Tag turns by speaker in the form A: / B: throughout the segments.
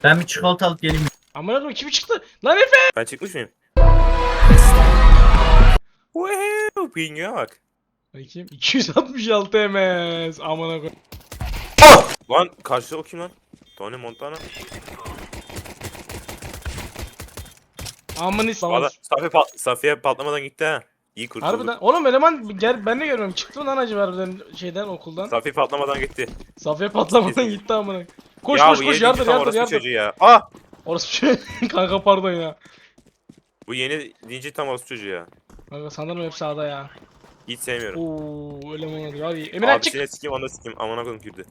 A: Ben bir çikolata alıp geleyim.
B: Amına koyayım kimi çıktı? Lan Efe!
C: Ben çıkmış mıyım? Woohoo! Ping'e bak.
B: Bakayım 266 MS. Amına koyayım.
C: Lan karşıda o kim lan? Tony Montana.
B: Amını
C: Valla
B: s***.
C: Safiye patlamadan gitti ha. İyi kurtulduk.
B: Harbiden. Oğlum eleman gel ben de görmüyorum. Çıktı mı lan acaba harbiden şeyden okuldan?
C: Safiye patlamadan gitti.
B: Safiye patlamadan gitti amına. Koş
C: ya
B: koş
C: bu
B: koş
C: yeni
B: yardır
C: tam
B: yardır
C: orası
B: yardır.
C: çocuğu ya. Ah!
B: Orası şey kanka pardon ya.
C: Bu yeni dinci tam orası çocuğu ya.
B: Kanka sanırım hep sağda ya.
C: Hiç sevmiyorum.
B: Oo öyle mi oldu abi? Emirhan çık.
C: Abisine sikeyim onu da sikeyim. Amına koyayım girdi.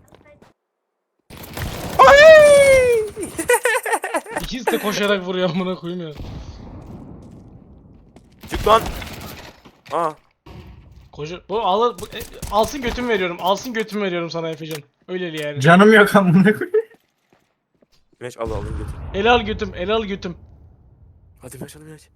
B: İkisi de koşarak vuruyor amına koyayım ya.
C: Çık lan. Ah.
B: Koşu bu alsın götümü veriyorum. Alsın götümü veriyorum sana Efecan. Öyleli yani.
A: Canım yok amına koyayım.
C: Meş al alayım götür.
B: Ele al götüm, ele al götüm.
C: Hadi Meş al Meş.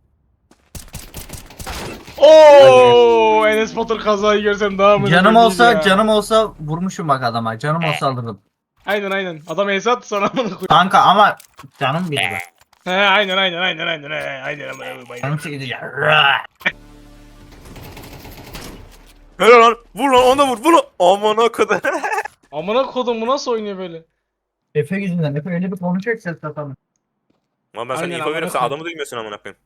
B: Oo, Enes Batur kazayı görsem daha mı?
A: Canım
B: iyiydi
A: olsa
B: ya.
A: canım olsa vurmuşum bak adama. Canım olsa alırdım.
B: Aynen. Adam Enes attı sana amına koyayım.
A: Kanka ama canım bir de.
B: He aynen. Aynen amına koyayım.
A: Canım çekildi ya.
C: Helal lan. Vur lan ona vur. Vur lan. Amına kadar.
B: Amına kodum bu nasıl oynuyor böyle?
A: Efe yüzünden. Efe öyle bir konuşacak ses satamı.
C: Lan ben sana
B: Aynen,
C: info veriyorum sen
B: amına
C: adamı duymuyorsun amına koyayım.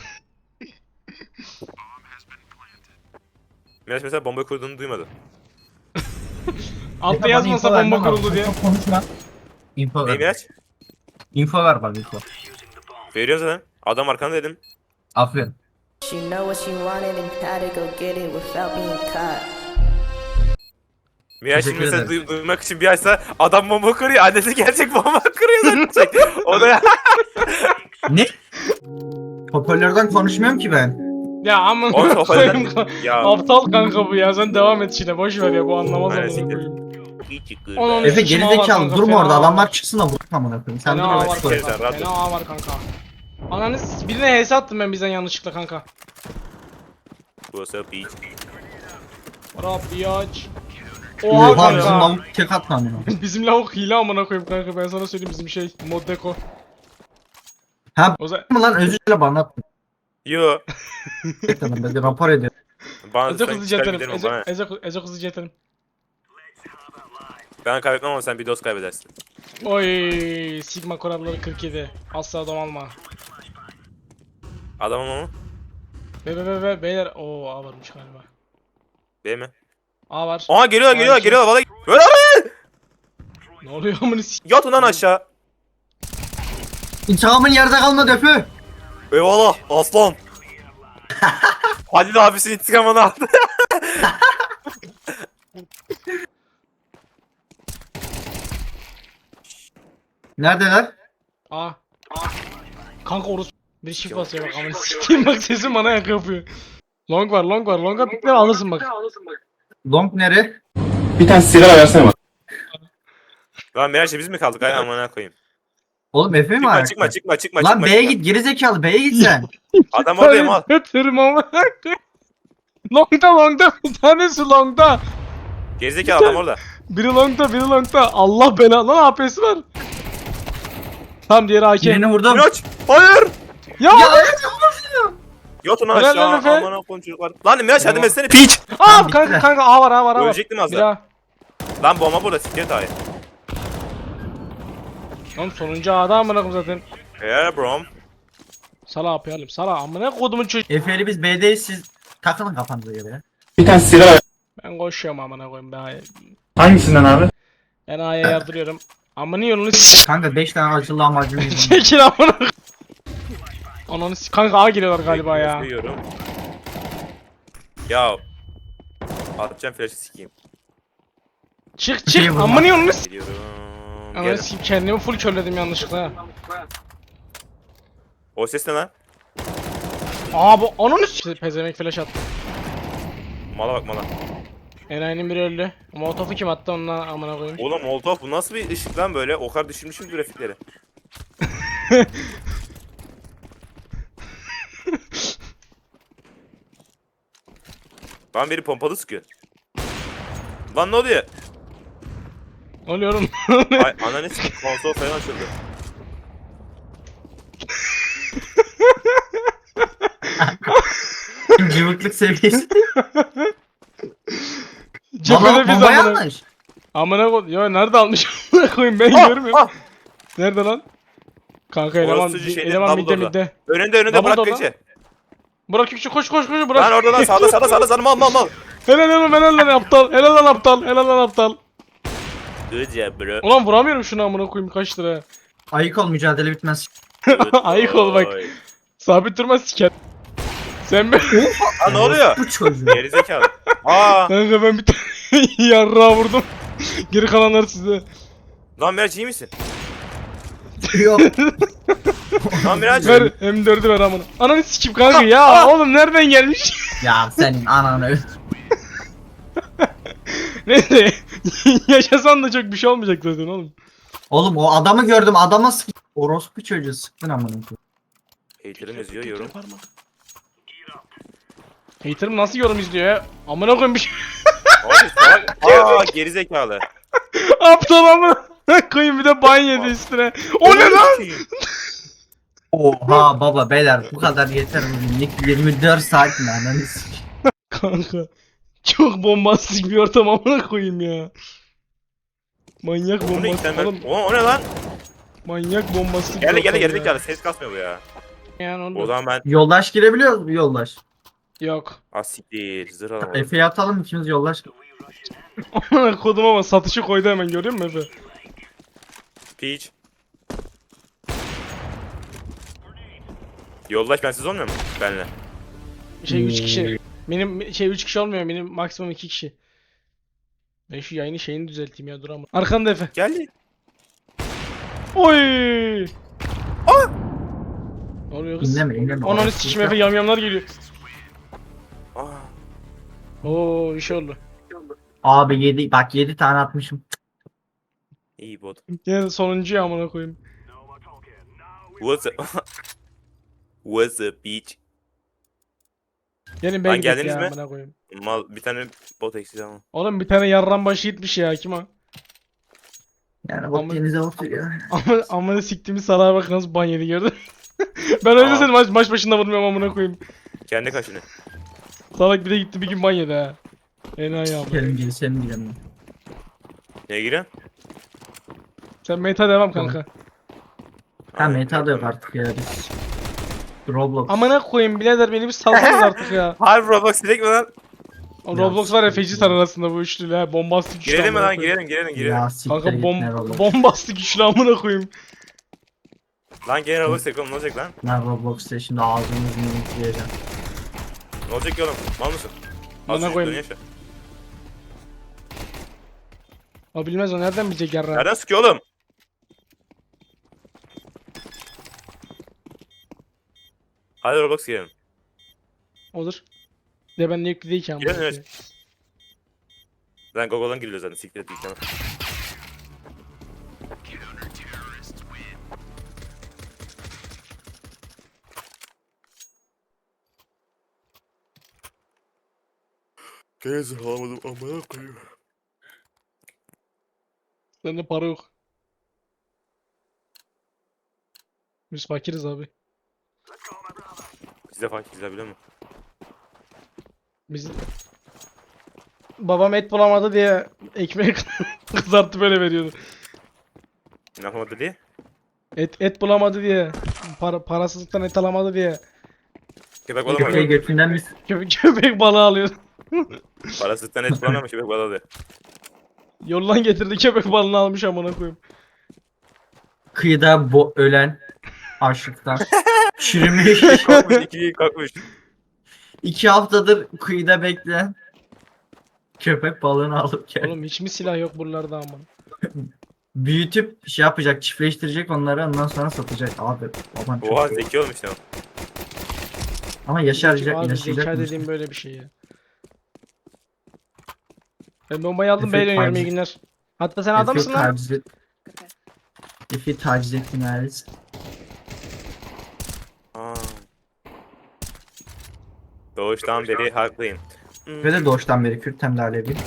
C: Meş mesela bomba kurduğunu duymadı.
B: Altta yazmasa bomba kuruldu diye.
A: Çok konuşma. Info
C: Neyi
A: ver.
C: Meş?
A: Info ver bak info.
C: Veriyorum zaten. Adam arkanda dedim.
A: Aferin.
D: She know what she wanted and how to go get it without being caught.
C: Miraç şimdi
A: Teşekkür
C: mesela
A: ederim.
C: duymak için bir açsa adam bomba kırıyor. Annesi gerçek bomba kırıyor zaten. O da ya.
A: Ne? Hoparlörden konuşmuyorum ki ben.
B: Ya amına
C: O
B: koyayım.
C: hoparlörden. Ya.
B: Aptal kanka bu ya. Sen devam et işine. Boş ver ya bu anlamaz
C: Aynen,
B: amına
C: siktir.
B: koyayım.
C: İyi çıktı.
B: Onun
A: Efe
B: sıçma var
A: gerizekalı
B: kanka,
A: durma
B: fena
A: orada.
B: var.
A: Adamlar çıksın da vur amına koyayım. Sen dur
B: Fena
A: orada.
B: var
C: Sen
B: kanka.
C: rahat ol.
B: Fena var kanka. Ananı birine HS attım ben bizden yanlışlıkla kanka.
C: What's up bitch?
B: Rabbi aç. Oha
A: Oha bizim
B: kanka.
A: lavuk tek atma amına.
B: Bizim lavuk hile amına koyayım kanka ben sana söyleyeyim bizim şey mod deko.
A: Ha
B: O zaman
A: mı lan özür dile bana atma.
C: Yo.
A: Gerçekten ben de rapor ediyorum.
C: Bana
B: Ece
C: sen
B: kızı
C: çıkar
B: jeterim.
C: giderim bana.
B: Ece kızı jeterim.
C: Ben kaybetmem ama sen bir dost kaybedersin.
B: Oy Sigma kuralları 47. Asla domalma.
C: Adamım ama.
B: Be beyler o A varmış galiba.
C: Değil mi?
B: A var.
C: Aa geliyorlar
B: iki.
C: valla. Böyle
B: Ne oluyor amına
C: yat ulan aşağı.
A: İntikamın yerde kalmadı Efe.
C: Eyvallah aslan. Halil abisi intikamını aldı.
A: Neredeler?
B: A. Kanka orası bir shift basıyor bak amına sikeyim bak sesim bana yak yapıyor. Long var. Longa pikle alırsın bak.
A: Long nere?
E: Bir tane sigara versene bak.
C: Lan Miraç'la biz mi kaldık? Ay amına koyayım.
A: Oğlum Efe mi var?
C: Çıkma.
A: Lan B'ye git gerizekalı B'ye git sen.
C: Adam oradayım al.
B: Götürüm amına koyayım. Longda bir tanesi longda.
C: Gerizekalı adam orada.
B: Biri longda. Allah belanı lan AP'si var. Tamam diğeri AK.
A: Birini vurdum.
C: Miraç! Hayır!
B: Ya,
C: Yat ulan
B: Helal
C: aşağı
B: lan Efe.
C: amına koyayım çocuklar. Lan Miraç hadi
B: Tamam.
C: mesleğini piç!
B: Aa
A: bittiler.
B: kanka A var.
C: Ölecektim az
B: Bir
C: daha.
B: daha.
C: Lan bomba burada siktir hayır.
B: Oğlum sonuncu A'da amına koyayım zaten.
C: Yeah bro.
B: Sala yapayım. Sala amına kodumun çocuğu.
A: Efe'li biz B'deyiz siz takılın kafanıza göre ya.
E: Bir tane sigara ver.
B: Ben koşuyorum amına koyayım ben.
E: Hangisinden abi?
B: Ben A'ya yardırıyorum. Amına yolunu s***
A: Kanka 5 tane acılı lahmacun yedim.
B: çekil amına koyayım. Ananı s*** kanka A geliyorlar galiba ya.
C: Bekliyorum. Ya. Atacağım flash'ı sikeyim.
B: Çık
A: Şey vurma.
B: amına yolunu s***
C: Geliyorum.
B: Ananı
C: Gel.
B: s*** kendimi full körledim yanlışlıkla ha.
C: O ses ne lan?
B: Aa bu ananı s*** pezevenk flash attı.
C: Mala bak mala.
B: Enayi'nin biri öldü. Molotof'u kim attı onunla amına koyayım.
C: Oğlum Molotov bu nasıl bir ışık lan böyle? O kadar düşürmüşüm grafikleri. Lan biri pompalı sıkıyor. Lan ne oluyor?
B: Ne oluyor oğlum?
C: Ay ananı sikeyim konsol falan açıldı.
A: cıvıklık seviyesi.
B: Cephede
A: Valla
B: biz
A: bomba
B: amına.
A: yanlış.
B: Amına koy. Ya nerede almış? Amına koyayım ben görmüyorum. Nerede lan? Kanka eleman
C: Orası şeyde,
B: eleman midde
C: Dumbledore'da.
B: midde.
C: Önünde
B: Double
C: bırak
B: door
C: keçi.
B: Burak Yükçü koş koş koş
C: Lan
B: Burak.
C: orada lan sağda mal.
B: Helal lan aptal. Helal lan aptal.
C: Good job bro.
B: Ulan vuramıyorum şunu amına koyayım kaç lira.
A: Ayık ol, mücadele bitmez.
B: Ayık ol bak.
C: Oy.
B: Sabit durmaz siker. Sen be.
C: Lan ne oluyor?
A: Bu çocuğu.
C: Gerizekalı. Aa.
B: Kanka ben bir tane yarrağı vurdum. Geri kalanlar size.
C: Lan Miraç iyi misin?
A: Yok.
C: Lan Miraç.
B: Ver M4'ü ver amına. Ananı sikim kanka ya oğlum nereden gelmiş?
A: Ya senin ananı.
B: Neyse. Yaşasan da çok bir şey olmayacak zaten oğlum.
A: Oğlum o adamı gördüm, adama sık. Orospu çocuğu sıktın amına koyayım.
C: Hater'ım yazıyor yorum.
B: Hater'ım nasıl yorum izliyor ya? Amına koyayım bir şey.
C: Abi salak. Aa gerizekalı.
B: Aptal amına koyayım bir de ban yedi üstüne. O ne lan?
A: Oha baba beyler bu kadar yeter bugünlük 24 saat mi ananı sikeyim.
B: Kanka. Çok bombastik bir ortam amına koyayım ya. Manyak
C: Bu ne
B: bombastik
C: sen
B: oğlum.
C: o ne lan?
B: Manyak bombastik bir
C: Gel
B: ortam ya.
C: gerizekalı ses kasmıyor bu ya.
B: Yani onu
C: O zaman ben
A: Yoldaş girebiliyor mu yoldaş?
B: yok.
C: asiktir zırh alamadım.
A: Efe'yi atalım ikimiz yoldaş.
B: Amına kodum ama satışı koydu hemen görüyor musun Efe?
C: Peach. Yoldaş bensiz olmuyor mu? Benle.
B: Şey 3 kişi. Benim şey 3 kişi olmuyor. Benim maksimum 2 kişi. Ben şu yayını şeyini düzelteyim ya dur ama. Arkanda Efe.
C: Geldi.
B: Oy! Ne oluyor kız?
A: İnleme.
B: Ananı sikim Efe yamyamlar geliyor.
C: Aa.
B: Oo iş oldu.
A: Abi 7 bak 7 tane atmışım.
C: İyi bot.
B: Yine sonuncu ya amına koyayım.
C: What's up? What's up Peach?
B: Gelin
C: Lan
B: ben gidelim
C: geldiniz
B: ya
C: mi?
B: amına koyayım.
C: Mal bir tane bot eksik ama.
B: Oğlum bir tane yarran başı gitmiş ya kim o?
A: Yani
B: Ama-
A: bak denize oturuyor.
B: Amına siktiğimiz salağa bak nasıl ban yedi gördün. Ben öyle
C: Aa.
B: seni maç başında vurmuyorum amına koyayım.
C: Kendi kaşını.
B: Salak bir de gitti bir gün ban yedi ha. Enayi abi.
A: Gelin gelin girelim.
C: Neye giriyorsun?
B: Sen meta devam kanka.
A: Ha meta da yok artık ya biz. Roblox.
B: Amına koyayım birader beni bir salsanız artık ya.
C: Harbi Roblox direkt mi lan?
B: O Roblox var ya fecitar arasında bu üçlü ha. Bombastik üçlü
C: Girelim mi
B: amına
C: lan
B: koyayım.
C: girelim.
A: Ya siktir
B: Kanka
A: git ne Roblox.
B: bombastik üçlü amına koyayım.
C: Lan gene Roblox yapalım ne olacak lan?
A: Ben Roblox'ta şimdi ağzımızı yiyeceğim.
C: Ne olacak ki oğlum? Mal mısın?
B: Bana
C: Az
B: koyayım.
C: yaşa.
B: O bilmez o nereden bilecek yarra.
C: Nereden sıkıyor oğlum? Hadi Roblox girelim.
B: Olur. De ben de yüklü değil ki amına
C: Girelim
B: koyayım.
C: evet. Lan Google'dan giriliyor zaten siktir et yükleme. Gezi alamadım amına koyayım.
B: Bende para yok. Biz fakiriz abi.
C: Size fark edilir biliyor musun?
B: Biz babam et bulamadı diye ekmek kızartıp böyle veriyordu.
C: Ne yapamadı diye?
B: Et bulamadı diye. Parasızlıktan et alamadı diye.
C: Köpek
A: Köpeği
C: balamadı.
A: götünden biz
B: Köpek balığı alıyor.
C: Parasızlıktan et bulamamış köpek balığı.
B: Yoldan getirdi köpek balığını almış amına koyayım.
A: kıyıda ölen açlıktan çürümüş.
C: Kalkmış ikiyi kalkmış.
A: 2 haftadır kıyıda bekleyen köpek balığını alıp gel.
B: Oğlum hiç mi silah yok buralarda amına?
A: Büyütüp şey yapacak, çiftleştirecek onları ondan sonra satacak abi. Aman çok
C: Oha
A: iyi.
C: zeki olmuş lan.
A: Ama yaşaracak,
B: Abi zeka
A: yaşayacak.
B: dediğim böyle bir şey ya. Ben bombayı aldım
A: Efe
B: B'ye dönüyorum
A: taciz-
B: iyi günler. Hatta sen adamsın lan.
A: Efe taciz ettin Halis.
C: Aa. Doğuştan beri haklıyım.
A: Ve de doğuştan beri Kürt hem de Alevi.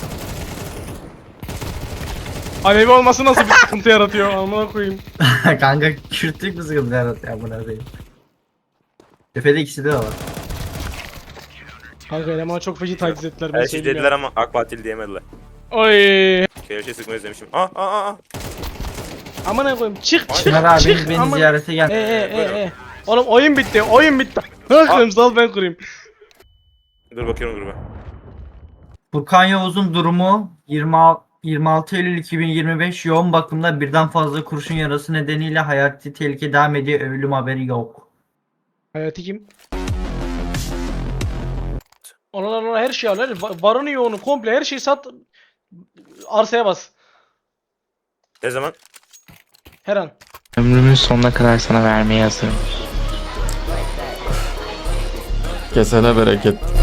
B: Alevi olması nasıl bir sıkıntı yaratıyor amına koyayım.
A: Kanka Kürtlük bir sıkıntı yaratıyor buna değil. Efe'de ikisi de var.
B: Kanka elemanı çok feci taciz ettiler ben
C: Her şey
B: söyleyeyim
C: dediler
B: ya.
C: ama AK Partili diyemediler.
B: Oy.
C: Kereşe sıkmayı özlemişim. Aa.
B: Amına koyayım çık çık
A: Çınar abi
B: çık.
A: beni
B: Aman.
A: ziyarete gel.
C: Buyurun.
B: Oğlum oyun bitti Bakın sal ben kurayım.
C: Dur bakıyorum gruba.
A: Furkan Yavuz'un durumu 26 Eylül 2025 yoğun bakımda birden fazla kurşun yarası nedeniyle hayati tehlike devam ediyor. Ölüm haberi yok.
B: Hayati kim? Ona her şeyi al. Varını yoğunu komple her şeyi sat. Arsaya bas.
C: Ne zaman?
B: Her an.
F: Ömrümün sonuna kadar sana vermeye hazırım.
G: Kesene bereket.